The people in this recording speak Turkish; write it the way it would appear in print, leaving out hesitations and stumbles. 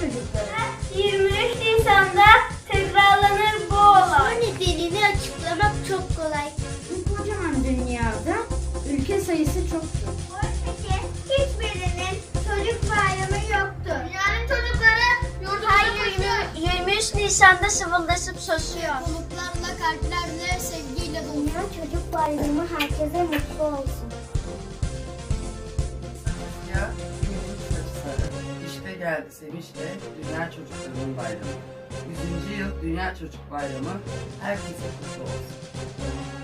çocukları. 23 Nisan'da tekrarlanır bu olay. Bu nedenini açıklamak çok kolay. Bu kocaman dünyada ülke sayısı çoktur. Oysa hiçbirinin çocuk bayramı yoktur. Dünyanın çocukları yurdumuza 23 Nisan'da sıvıldasıp sosuyor. Umutlarla, kalplerle, sevgiyle dolu. Dünya Çocuk Bayramı herkese mutlu olsun. Ya sarı. İşte geldi sevinçle Dünya Çocuklarının Bayramı. 100. yıl Dünya Çocuk Bayramı herkese kutlu olsun.